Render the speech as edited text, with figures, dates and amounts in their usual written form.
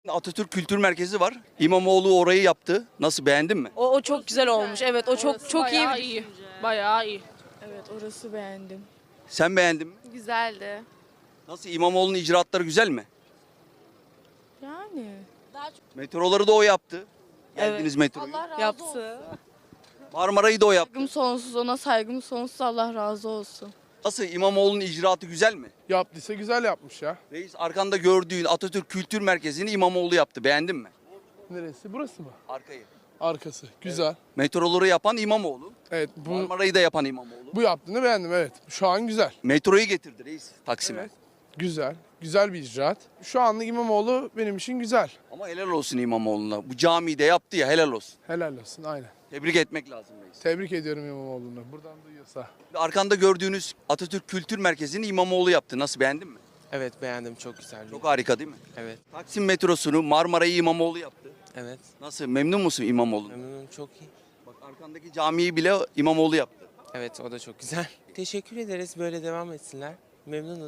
Atatürk Kültür Merkezi var. İmamoğlu orayı yaptı. Nasıl, beğendin mi? O çok güzel olmuş. Evet, o çok iyi. Bayağı iyi. Bayağı iyi. Evet, orası beğendim. Sen beğendin mi? Güzeldi. Nasıl, İmamoğlu'nun icraatları güzel mi? Yani Metroları da o yaptı. Geldiniz Evet. metroyu. yaptı. Marmara'yı da o yaptı. Saygım sonsuz, ona saygım sonsuz. Allah razı olsun. Nasıl, İmamoğlu'nun icraatı güzel mi? Yaptıysa güzel yapmış ya. Reis, arkanda gördüğün Atatürk Kültür Merkezi'ni İmamoğlu yaptı. Beğendin mi? Neresi? Burası mı? Arkayı. Arkası. Güzel. Metroları yapan İmamoğlu. Evet, Marmara'yı da yapan İmamoğlu. bu yaptığını beğendim, evet. Şu an güzel. Metroyu getirdi reis Taksim'e. Evet. Güzel. Güzel bir icraat. Şu anlık İmamoğlu benim için güzel. Ama helal olsun İmamoğlu'na. Bu camiyi de yaptı ya, helal olsun. Helal olsun, aynen. Tebrik etmek lazım reis. Tebrik ediyorum İmamoğlu'nu. Buradan duyuyorsa. Arkanda gördüğünüz Atatürk Kültür Merkezi'ni İmamoğlu yaptı. Nasıl, beğendin mi? Evet beğendim, çok güzel. Çok harika değil mi? Evet, Taksim metrosunu, Marmara'yı İmamoğlu yaptı. evet. Nasıl, memnun musun İmamoğlu? Memnunum, çok iyi. Bak, arkandaki camiyi bile İmamoğlu yaptı. Evet, o da çok güzel. Teşekkür ederiz, böyle devam etsinler. Memnunuz.